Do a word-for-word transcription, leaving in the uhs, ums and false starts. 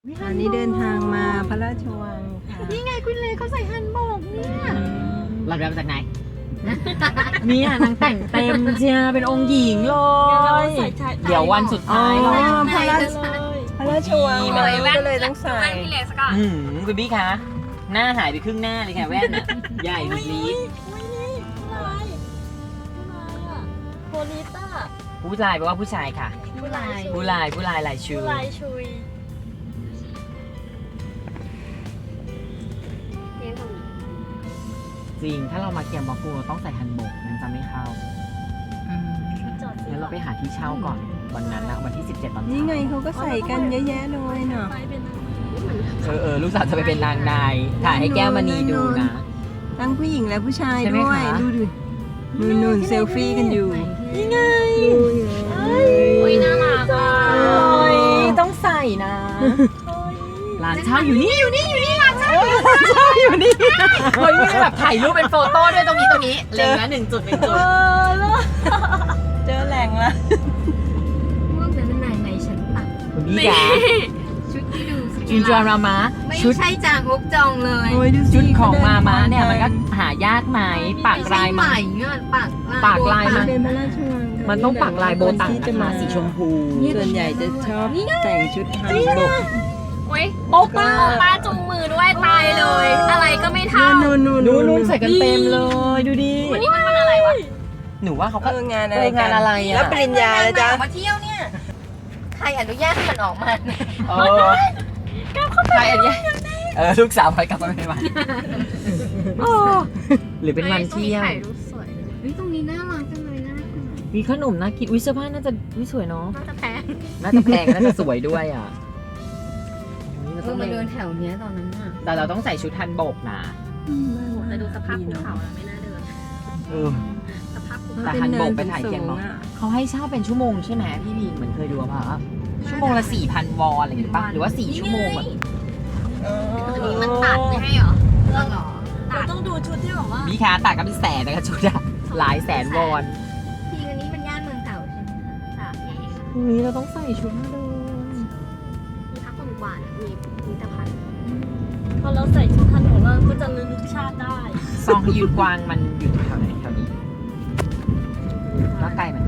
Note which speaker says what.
Speaker 1: อันนี้เดินทางมาพระราชวังค่ะ
Speaker 2: นี่ไงคุณเลเขาใส่ฮันบกเนี่ย
Speaker 3: เราเดินมาจากไหน เนี่ยนางแต่งเต็มเชียเป็นองค์หญิงเลย เดี๋ยววันสุดท้ายเรา
Speaker 1: พระราชพระราชวัง
Speaker 3: ดี
Speaker 1: เรา
Speaker 3: มาก
Speaker 1: ก็เลยต้องใส่
Speaker 2: แว่นพี่เลสก่อน
Speaker 3: อืมคุณบี้คะ หน้าหายไปครึ่งหน้าเลยค่ะแว่นน่ะใหญ่สุดลีด
Speaker 2: โพลิต้า
Speaker 3: ผู้ชายแปลว่าผู้ชายค่ะ
Speaker 2: ผู้ลาย
Speaker 3: ผู้ลายผู้ลายลายชู
Speaker 2: ผู้ลายชุย
Speaker 3: จริง ถ้าเรามาเกียมบอกกูเราต้องใส่ฮันบกนั้นจะไม่เข้า
Speaker 2: จอด
Speaker 3: งั้นเราไปหาที่เช่าก่อน วันนั้นนะวันที่สิบเจ็ดตอนเช้า
Speaker 1: นี่ไงเขาก็ใส่กันเยอะแยะเลยเนาะ
Speaker 2: ไปเป็น
Speaker 3: เออเออลูกสาวจะไปเป็นนางนาย ถ่ายให้แก้วมณีดูนะ
Speaker 1: ทั้งผู้หญิงและผู้ชาย
Speaker 3: ใช่ไหม
Speaker 1: ด้วย
Speaker 3: คะ
Speaker 1: ดูดินู่นนู่นเซลฟี่กันอยู่นี่ไง
Speaker 2: โอ้ยน่ารักอ่ะ
Speaker 3: โอ้ยต้องใส่นะร้านเช่าอยู่นี่อยู่นี่อยู่นี่ร้านเช่าอยู่ร้านเช่าอยู่นี่เฮ้ยนี่แบบถ่ายรูปเป็นโฟโต้ด้วยตรงนี้ตรงนี้เล็งนะหนึ่งจุดหนึ่งจุด
Speaker 1: เจอแหล่งละ
Speaker 2: ม่วงแต่เป็นไหนไหนฉันตัก
Speaker 3: คุณพี่จ๋า
Speaker 2: ชุดที่ดูส
Speaker 3: จินจามรามา
Speaker 2: ไม่
Speaker 3: ชุด
Speaker 2: ใช่จางฮกจองเลย
Speaker 1: โอ้ยดูสิ
Speaker 3: ชุดของมามาเนี่ยมันก็หายากไหมปากลาย
Speaker 2: ให
Speaker 3: มา
Speaker 2: ม่เงี้ยปาก
Speaker 3: ปากลาย
Speaker 1: มั
Speaker 3: มัน น
Speaker 1: เป็นพระราชวังค่ะ
Speaker 3: มันต้องปักลายโบตัง
Speaker 1: ที่จะ
Speaker 3: นะคะ
Speaker 1: มา
Speaker 3: สีชมพู
Speaker 1: ส่วนใหญ่จะชอบแต่งชุดฮันบก
Speaker 2: โอ้ย
Speaker 3: โป๊ะป้า
Speaker 2: ป้าจูงมือด้วยตายเลย อะไรก็ไม่เท่า
Speaker 1: นู่นนู่น
Speaker 3: ดูนู่นใส่กันเต็มเลยดูดิ
Speaker 2: วันนี้มันวันอะไรวะ
Speaker 3: หนูว่าเขา
Speaker 1: เอ
Speaker 3: ก็
Speaker 1: องาน
Speaker 3: เอ
Speaker 1: อะไร
Speaker 3: องานอะไรอะ
Speaker 1: แล้วปริญญาแล้วจ้ะ
Speaker 2: มาเที่ยวเนี่ย ใครอนุญาตให้มันออกมาเนี่ย
Speaker 3: เออใครอันเนี้ยเออลูกสาวไปกลับมาเป็นวันหรือเป็นวันเที่ยว
Speaker 2: ถ่ายรูปสวยเฮ้ยตรงนี้น่ารักจังเลยน่ารัก
Speaker 3: มีขนมน่ากินวิเสื้อผ้าน่าจะวิสวยเนาะ
Speaker 2: น่าจะแพง
Speaker 3: น่าจะแพงน่าจะสวยด้วยอ่ะโอ้ยเรา
Speaker 2: เอ
Speaker 3: ต้
Speaker 2: อ
Speaker 3: อง
Speaker 2: มา
Speaker 3: ไป
Speaker 2: เดินแถวเนี้ยตอนนั้นน่ะ
Speaker 3: แต่เราต้องใส่ชุดทันบกนะ
Speaker 2: แต่ดูสภาพภูเขาแล้วไม่น่าเดิน
Speaker 3: เออ
Speaker 2: สภาพภู
Speaker 3: แต่
Speaker 2: เขา
Speaker 3: ฮันบกไปถ่ายเทียม
Speaker 1: เนาะ
Speaker 3: เนาะเขาให้เช่าเป็นชั่วโมงใช่ไหมพี่บีเหมือนเคยดูป่ะชั่วโมงละสี่พันวอนอะไรอย่างงี้ป่ะหรือว่าสี่ชั่วโมงแบบ
Speaker 2: อันนี้มันตัดไม่ให้เหรอเรื่องเหรอตัด
Speaker 4: ต้องดูชุดที่แบบว่า
Speaker 3: มีค้าต่างกันเป็นแสนนะคะชุดอะหลายแสนวอน
Speaker 2: ทีอันนี้มันย่านเมืองเก่าใช่ไหมคะสามใหญ่
Speaker 3: พรุ่งนี้เราต้องใส่ชุดมาเดิน
Speaker 2: มีพักคนกว่าดมีมีตะพัน
Speaker 4: พอเราใส่ชุดทันของเราก็จะระลึกชาติได้
Speaker 3: ซองฮยืนกวางมันอยู่แถวไหนแถวนี้แล้วไกลไหม